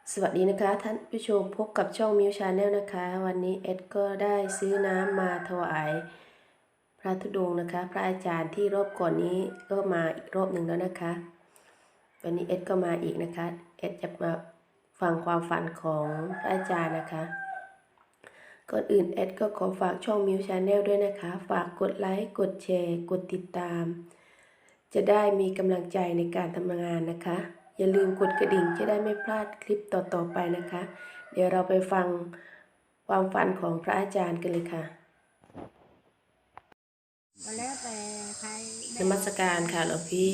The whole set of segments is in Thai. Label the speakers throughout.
Speaker 1: สวัสดีนะคะท่านผู้ชมพบกับช่องมิวชาแนลนะคะวันนี้เอ็ดก็ได้ซื้อน้ำมาถวายพระธุดงค์นะคะพระอาจารย์ที่รอบก่อนนี้ก็มาอีกรอบหนึ่งแล้วนะคะวันนี้เอ็ดก็มาอีกนะคะเอ็ดจะมาฟังความฝันของพระอาจารย์นะคะก่อนอื่นเอ็ดก็ขอฝากช่องมิวชาแนลด้วยนะคะฝากกดไลค์กดแชร์กดติดตามจะได้มีกำลังใจในการทำงานนะคะอย่าลืมกดกระดิ่งจะได้ไม่พลาดคลิปต่อๆไปนะคะเดี๋ยวเราไปฟังความฝันของพระอาจารย์กันเลยค่ะ
Speaker 2: แล้วแต่ใคร
Speaker 1: นมัสการค่ะหลวงพี่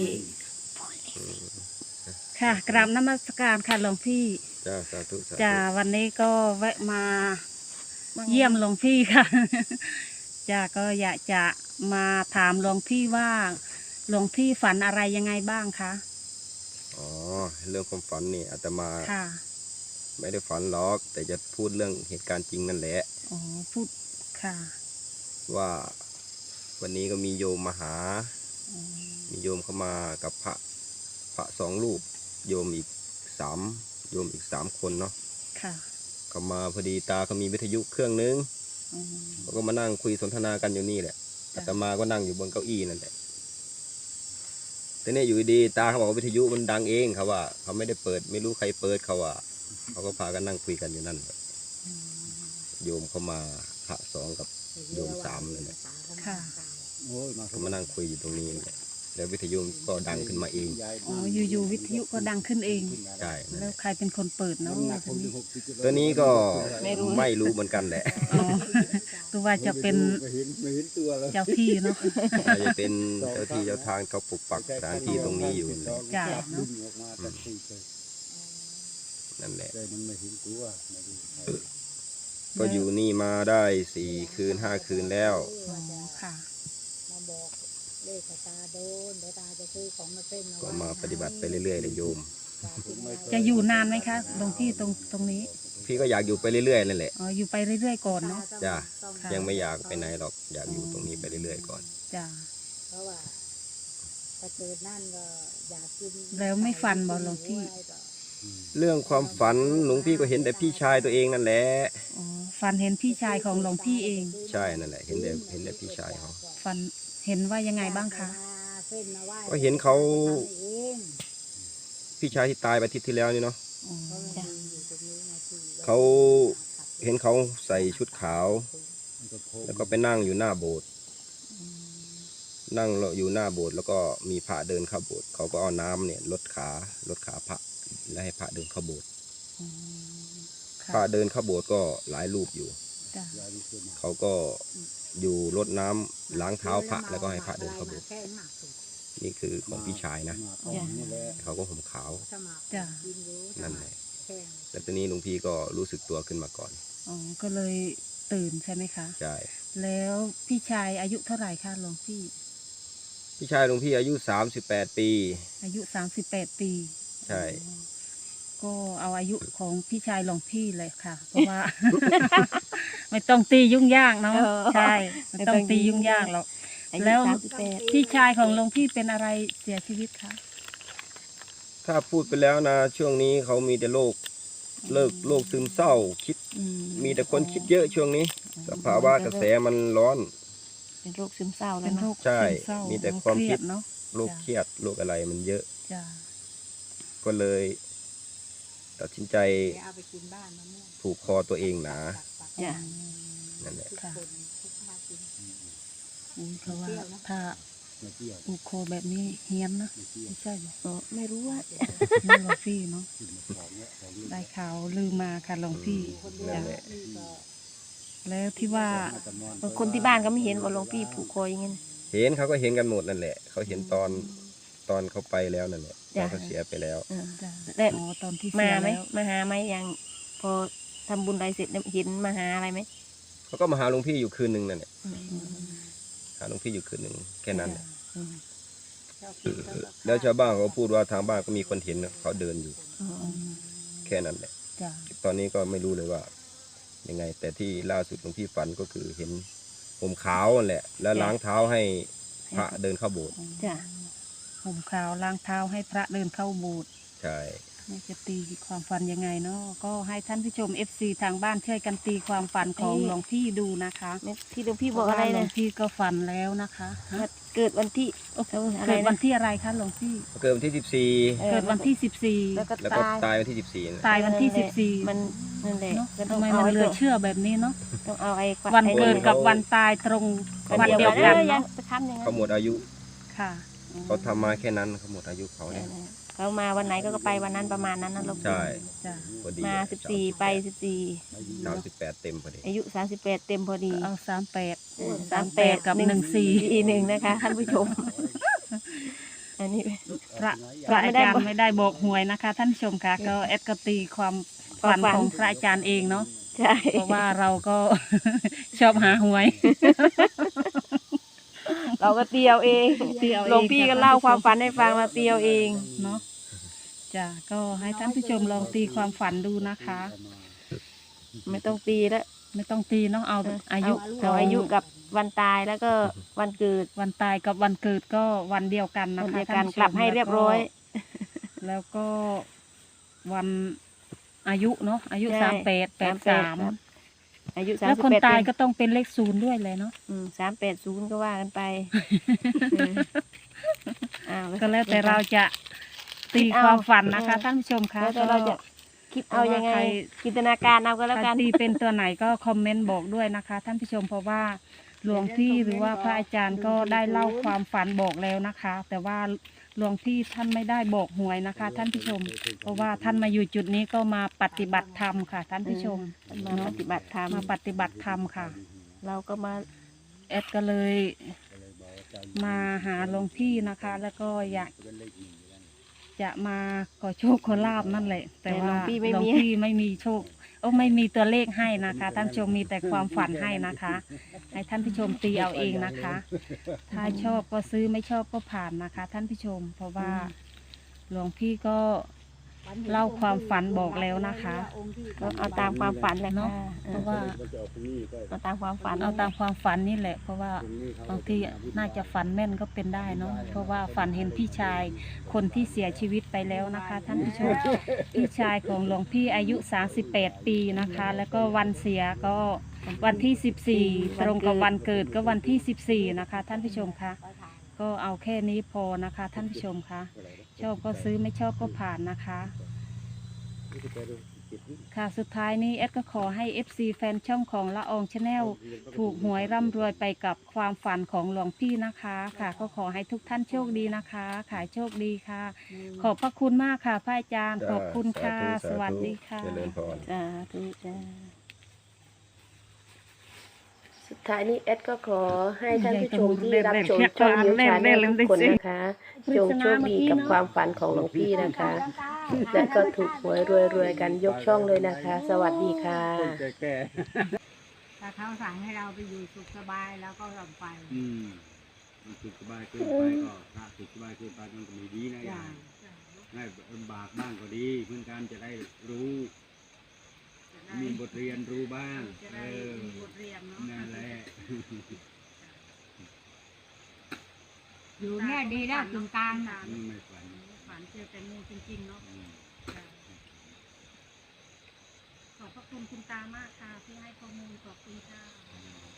Speaker 2: ค่ะกราบนมัสการค่ะหลวงพี่
Speaker 3: จ้าสาธุสาธุ
Speaker 2: จ้าวันนี้ก็แวะมาเยี่ยมหลวงพี่ค่ะ จ้าก็อยากจะมาถามหลวงพี่ว่าหลวงพี่ฝันอะไรยังไงบ้างคะ
Speaker 3: อ๋อเรื่องความฝันนี่อาตมา
Speaker 2: ค่ะ
Speaker 3: ไม่ได้ฝันหรอกแต่จะพูดเรื่องเหตุการณ์จริงนั่นแหละ
Speaker 2: อ๋อพูดค่ะ
Speaker 3: ว่าวันนี้ก็มีโยมมาหา
Speaker 2: อ๋อ
Speaker 3: มีโยมเข้ามากับพระสองรูปโยมอีกสามคนเนาะ
Speaker 2: ค่ะ
Speaker 3: เขามาพอดีตาเขามีวิทยุเครื่องนึง
Speaker 2: อ๋อ
Speaker 3: เขาก็มานั่งคุยสนทนากันอยู่นี่แหละ
Speaker 2: จ้ะ
Speaker 3: อาตมาก็นั่งอยู่บนเก้าอี้นั่นแหละแต่เนี่ยอยู่ดีตาเขาบอกว่าวิทยุมันดังเองเขาว่าเขาไม่ได้เปิดไม่รู้ใครเปิดเขาว่าเขาก็พากันนั่งคุยกันอยู่นั่นแหละ
Speaker 2: อ๋อ
Speaker 3: โยมเข้ามาพระสองกับโยมสามเลยเนี่ย
Speaker 2: ค่ะ
Speaker 3: เขามานั่งคุยอยู่ตรงนี้เนี่ยแล้ววิทยุก็ดังขึ้นมาเอง
Speaker 2: อ๋ออยู่ๆวิทยุก็ดังขึ้นเอง
Speaker 3: ใช่นั่น
Speaker 2: แล้
Speaker 3: แห
Speaker 2: ว
Speaker 3: ละ
Speaker 2: ใครเป็นคนเปิดเนาะทีนี้
Speaker 3: ตัวนี้ก็ไม่รู้เหมือนกันแหละ
Speaker 2: อ๋อตัวว่าจะเป็น
Speaker 4: ไม่เห็นตัวแล้ว
Speaker 2: เจ้าที่เนาะ
Speaker 3: อาจจะเป็นเจ้าที่เจ้าทางเขาปกปักสถานที่ตรงนี้อยู่นั่นแหละ
Speaker 2: จ้ะ
Speaker 4: ดึงออกมาจากที่เลย
Speaker 3: นั่นแหละ
Speaker 4: แต่มันไม่เห็นตัวไม่รู้ใคร
Speaker 3: ก็อยู่นี่มาได้4 คืน 5 คืนแล้ว
Speaker 2: อ๋อค่ะ
Speaker 5: มาบอกเลขตาโดนเดี๋ยวตาจะซื้อของมาเส้น
Speaker 3: ก็มาปฏิบัติไปเรื่อยๆเลยโยม
Speaker 2: จะอยู่นานไหมคะหลวงพี่ตรงนี้
Speaker 3: พี่ก็อยากอยู่ไปเรื่อยๆนั่นแหละ
Speaker 2: อ๋ออยู่ไปเรื่อยๆก่อนเนาะ
Speaker 3: จ้ะ
Speaker 2: ค่ะ
Speaker 3: ยังไม่อยากไปไหนหรอกอยากอยู่ตรงนี้ไปเรื่อยๆก่อน
Speaker 2: จ้ะ
Speaker 5: เพราะว่าถ้าเกิดนั่นก็อยากกิน
Speaker 2: แล้วไม่ฟันบ่หลวงพี่
Speaker 3: เรื่องความฝันหลวงพี่ก็เห็นแต่พี่ชายตัวเองนั่นแหละ
Speaker 2: อ๋อฟันเห็นพี่ชายของหลวงพี่เอง
Speaker 3: ใช่นั่นแหละเห็นแต่พี่ชายเขา
Speaker 2: ฟันเห็นว่ายังไงบ้างคะ
Speaker 5: เส้นมาไหว้
Speaker 3: ก็เห็นเขา
Speaker 5: ทำเอง
Speaker 3: พี่ชายที่ตายไปอาทิตย์ที่แล้วนี่เนาะ
Speaker 2: อ๋อจ้ะ
Speaker 5: อยู่ตรงนี้ไงที่
Speaker 3: เขาเห็นเขาใส่ชุดขาว
Speaker 4: มันก็โค้ง
Speaker 3: แล้วก็ไปนั่งอยู่หน้าโบสถ์นั่งอยู่หน้าโบสถ์แล้วก็มีพระเดินเข้าโบสถ์เขาก็เอาน้ำเนี่ยลดขาพระแล้วให้พระเดินเข้าโบสถ์
Speaker 2: อ๋อ
Speaker 3: พระ
Speaker 2: ค่ะ
Speaker 3: เดินเข้าโบสถ์ก็หลายรูปอยู่
Speaker 2: จ้ะ
Speaker 4: ยายดูเสื้อมา
Speaker 3: เขาก็อยู่รดน้ำล้างเท้าพระแล้วก็ให้พระเดินเข้าโบสถ์
Speaker 5: แค่หมากสุด
Speaker 3: นี่คือของพี่ชายนะ
Speaker 4: มาตอนนี้แหละ
Speaker 3: เขาก็ห่มขาว
Speaker 5: ถ้าหมาก
Speaker 2: จ้ะ
Speaker 5: กินรู้
Speaker 3: นั่นแหละ
Speaker 5: แค่
Speaker 3: แล้วตอนนี้หลวงพี่ก็รู้สึกตัวขึ้นมาก่อน
Speaker 2: อ๋อก็เลยตื่นใช่ไหมคะ
Speaker 3: ใช่
Speaker 2: แล้วพี่ชายอายุเท่าไหร่คะหลวงพี่
Speaker 3: พี่ชายหลวงพี่อายุ38 ปี
Speaker 2: อายุ38 ปี
Speaker 3: ใช่
Speaker 2: อ๋อก็เอาอายุของพี่ชายหลวงพี่เลยค่ะ เพราะว่า ไม่ต้องตียุ่งยากเนาะใช่ไม่ต้องตียุ่งยากหรอกแล้วพี่ชายของหลวงพี่เป็นอะไรเสียชีวิตคะ
Speaker 3: ถ้าพูดไปแล้วนะช่วงนี้เขามีแต่โรคซึมเศร้าคิด
Speaker 2: อื
Speaker 3: มีแต่คนคิดเยอะช่วงนี้ สภาวะกระแสมันร้อน
Speaker 5: เป็นโรคซึมเศร้าแล้
Speaker 2: เป็
Speaker 5: วน
Speaker 2: โร
Speaker 5: เนาะ
Speaker 2: ค
Speaker 3: ใช่
Speaker 2: ซึมเศร้า
Speaker 3: มีแต่ความคิด
Speaker 2: เรเนาะ
Speaker 3: โรคเครียดโรคอะไรมันเยอะ
Speaker 2: จ้ะ
Speaker 3: ก็เลย ตัดสินใจ
Speaker 5: เดี๋ยวเอาไปกินบ้านมะม่วง
Speaker 3: ผูกคอตัวเองหนา
Speaker 2: จ้ะ
Speaker 3: นั่นแหละ
Speaker 5: ทุกคนทุกภาคกิน
Speaker 2: เพราะว่าถ้า
Speaker 4: มาเที่ยว
Speaker 2: อุโคแบบนี้เฮี้ยนนะ
Speaker 4: มาเที่ยว
Speaker 2: ไม่ใช่หรอ
Speaker 5: ไม่รู้ว่า
Speaker 2: ไม่หลวงพี่เนาะ
Speaker 4: ขึ้นมาของเนี่ยของนี้
Speaker 2: ได้ข่าวลืมมาค่ะหลวงพี่
Speaker 5: คนเดียว
Speaker 3: นั่นแหละ
Speaker 5: นี่ก็
Speaker 2: แล้วที่ว่า
Speaker 4: มาตะมอน
Speaker 5: คนที่บ้านก็ไม่เห็นว่าหลวงพี่ผูกคออย่างงี้
Speaker 3: เห็นเขาก็เห็นกันหมดนั่นแหละ เขาเห็นตอนเขาไปแล้วนั่นแหละตอนเขาเสียไปแล้ว
Speaker 2: จ้ะ
Speaker 5: แต่
Speaker 2: อ๋อตอนที่
Speaker 5: มา
Speaker 2: เสีย
Speaker 5: ไหม
Speaker 2: แล้ว
Speaker 5: มาหาไหมอย่างพอทำบุญอะไรเสร็จเนี่ยเห็นมาหาอะไรไหม
Speaker 3: เขาก็มาหาหลวงพี่อยู่คืนหนึ่งนั่นแหละหาหลวงพี่อยู่คืนหนึ่งแค่นั้นแหละ
Speaker 2: อืม
Speaker 3: แล้วชาวบ้านเขาก็พูดว่าทางบ้านก็มีคนเห็นนะเขาเดินอยู่
Speaker 2: อืม
Speaker 3: แค่นั้นแหละ
Speaker 2: จ้ะ
Speaker 3: ตอนนี้ก็ไม่รู้เลยว่า ยังไง แต่ที่ล่าสุดหลวงพี่ฝันก็คือเห็นผมขาวนั่นแหละ แล้วล้างเท้าให้พระเดินเข้าโบสถ์
Speaker 5: จ้ะ
Speaker 2: ห่มขาวล้างเท้าให้พระเดินเข้าโบสถ์
Speaker 3: ใช่
Speaker 2: จะตีความฝันยังไงเนาะก็ให้ท่านผู้ชม FC ทางบ้านช่วยกันตีความฝันของหลวงพี่ดูนะคะ
Speaker 6: ที่หลวงพี่บอกอะไร
Speaker 2: หลว
Speaker 6: นะ
Speaker 2: งพี่ก็ฝันแล้วนะคะฮะ
Speaker 6: เกิดวันที่อะไร
Speaker 2: เกิดวั
Speaker 6: นะ
Speaker 2: นที่อะไรคะหลวงพี่
Speaker 3: เกิดวันที่
Speaker 2: เกิดวันที่
Speaker 6: แล้วก็
Speaker 3: 14 แล้วก็
Speaker 6: ตาย
Speaker 3: ตายวันที่ 14
Speaker 2: ตายวันที่
Speaker 6: มันนั่นแหละ
Speaker 2: เนาะ
Speaker 6: ก็ต้อ
Speaker 2: ทำ
Speaker 6: ง
Speaker 2: ไม
Speaker 6: เอา
Speaker 2: มัน
Speaker 6: ไอ้
Speaker 2: เหลือเชื่อแบบนี้เนาะ
Speaker 6: ต้องเอาไอ้
Speaker 2: วันเกิดกับวันตายตรงวันเดียวกัน
Speaker 6: ยั
Speaker 2: เนาะ
Speaker 6: งไปทำอย่างนั้
Speaker 3: เขา
Speaker 6: น
Speaker 3: หมดอายุ
Speaker 2: ค่ะ
Speaker 3: เขาทำมาแค่นั้นเขาหมดอายุเขาเนี่ย
Speaker 6: เขามาวันไหนก็ไปวันนั้นประมาณนั้นนะหลวง
Speaker 3: ใช่
Speaker 2: จ้ะ
Speaker 3: พอดี
Speaker 6: มา14ไป
Speaker 3: 38 เต็มพอดี
Speaker 6: 14อายุ38เต็มพอดี
Speaker 2: เอา38
Speaker 6: 38
Speaker 2: กับ
Speaker 6: 14นะคะท่านผู้ชมอันนี้
Speaker 2: พระ
Speaker 6: พระ
Speaker 2: อา
Speaker 6: ไม่ได้
Speaker 2: จาร
Speaker 6: บอก
Speaker 2: ย์ไม่ได้บอกหวยนะคะ ท่านผู้ชมค่ะก็แอดก็ตีความฝัน
Speaker 6: ความฝัน
Speaker 2: ของพระอาจารย์เองเนาะ
Speaker 6: ใช่
Speaker 2: เพราะว่าเราก็ ชอบหาหวย
Speaker 6: เราก็เตียวเอง
Speaker 2: เตียวเอง
Speaker 6: หลวงพี่ก็เล่าความฝันให้ฟังเราเตียวเอง
Speaker 2: เนาะจ้ะก็ให้ท่านผู้ชมลองตีความฝันดูนะคะ
Speaker 6: ไม่ต้องตีแล้ว
Speaker 2: ไม่ต้องตีเนาะเอาอายุ
Speaker 6: เอาอายุกับวันตายแล้วก็วันเกิด
Speaker 2: วันตายกับวันเกิดก็วันเดียวกันนะ
Speaker 6: วัน
Speaker 2: คะ
Speaker 6: เดียวกัน
Speaker 2: ท่านผู้ชม
Speaker 6: กลับให้เรียบร้อย
Speaker 2: แล้วก็วันอายุเนาะอายุ
Speaker 6: ใช่
Speaker 2: 38
Speaker 6: ครับ
Speaker 2: 83
Speaker 6: อายุ
Speaker 2: แล้วคน
Speaker 6: 38
Speaker 2: ตายก็ต้องเป็นเลข0ด้วยเลยเนาะ
Speaker 6: 380ก็ว่ากันไปอ้าว
Speaker 2: ก็แล้วแต่เราจะตีความฝันนะคะ ท่านผู้ชมคะ
Speaker 6: แล้วแต่เราจะคิดเอายังไง
Speaker 2: ใคร
Speaker 6: จินตนาการเอาก็แล้ว
Speaker 2: ใคร
Speaker 6: กัน
Speaker 2: ตีเป็นตัวไหนก็คอมเมนต์บอกด้วยนะคะ ท่านผู้ชมเพราะว่าหลวงพี่หรือว่าพระอาจารย์ก็ได้เล่าความฝันบอกแล้วนะคะ แต่ว่าหลวงพี่ท่านไม่ได้บอกหวยนะคะ ท่านผู้ชม เพราะว่าท่านมาอยู่จุดนี้ก็มาปฏิบัติธรรมค่ะ ท่านผู้ชม
Speaker 6: มาปฏิบัติธรรม
Speaker 2: มาปฏิบัติธรรมค่ะ
Speaker 6: เราก็มา
Speaker 2: แอดก็เลยมาหาหลวงพี่นะคะ แล้วก็อยากจะมาขอโชคขอลาบนั่นแหละ แต่ว่าหลวงพี่ไม่มีโชคไม่มีตัวเลขให้นะคะ ท่านผู้ชมมีแต่ความฝันให้นะคะ ให้ท่านผู้ชมตีเอาเองนะคะ ถ้าชอบก็ซื้อไม่ชอบก็ผ่านนะคะ ท่านผู้ชม เพราะว่าหลวงพี่ก็เล่าความฝันบอกแล้วนะคะ
Speaker 6: ก็เอาตามความฝันแหละ
Speaker 2: เนาะ
Speaker 6: ค่ะ
Speaker 2: เพราะว่า
Speaker 6: เอาตามความฝัน
Speaker 2: เอาตามความฝันนี่แหละ เพราะว่าบางทีน่าจะฝันแม่นก็เป็นได้เนาะเพราะว่าฝันเห็นพี่ชายคนที่เสียชีวิตไปแล้วนะคะ ท่านผู้ชมพี่ชายของหลวงพี่อายุ38 ปีนะคะ แล้วก็วันเสียก็วันที่14ตรงกับวันเกิดก็วันที่14นะคะ ท่านผู้ชมคะก็เอาแค่นี้พอนะคะ ท่านผู้ชมคะชอบก็ซื้อไม่ชอบก็ผ่านนะคะ ค่ะสุดท้ายนี้เอสก็ขอให้ FC แฟนช่องของละอองชาแนลถูกหวยร่ำรวยไปกับความฝันของหลวงพี่นะคะค่ะก็ขอให้ทุกท่านโชคดีนะคะขายโชคดีค่ะ ขอบพระคุณมากค่ะพระอาจารย์ขอบคุณค่ะ สวัสดีค่ะ
Speaker 3: เจริญพร
Speaker 6: จ้าทุกจ้า
Speaker 1: สุดท้ายนี้แอดก็ขอให้ท่านผู้ชมที่รับชมช่องมิวชาแนลทุกคนนะคะจงโชคดีกับความฝันของหลวงพี่นะคะ และก็ถูกหวยรวยๆกันยกช่องเลยนะคะ สวัสดีค่ะ
Speaker 4: แก่
Speaker 5: ถ้าเขาสั่งให้เราไปอยู่สุขสบายแล้วก็ยอมไป
Speaker 4: มันสุขสบายเกินไปก็ถ้าสุขสบายเกินไปมันก็ไม่ดีนะยายให้ลำบากบ้างก็ดีเพื่อนกันจะได้รู้ มีบทเรียนรู้บ้าง
Speaker 5: จะได้มีบทเรียนเนาะ
Speaker 4: นั่นแหละ
Speaker 5: อยู่เนี่ยดีแล้วถึงกลางน่ะ
Speaker 4: ไม่ฝัน
Speaker 2: ฝันเจอแต่งูจริงๆเนาะ
Speaker 4: อืม
Speaker 2: ขอบพระคุณคุณตามากค่ะที่ให้ข้อมูลขอบคุณค่ะ
Speaker 4: อืม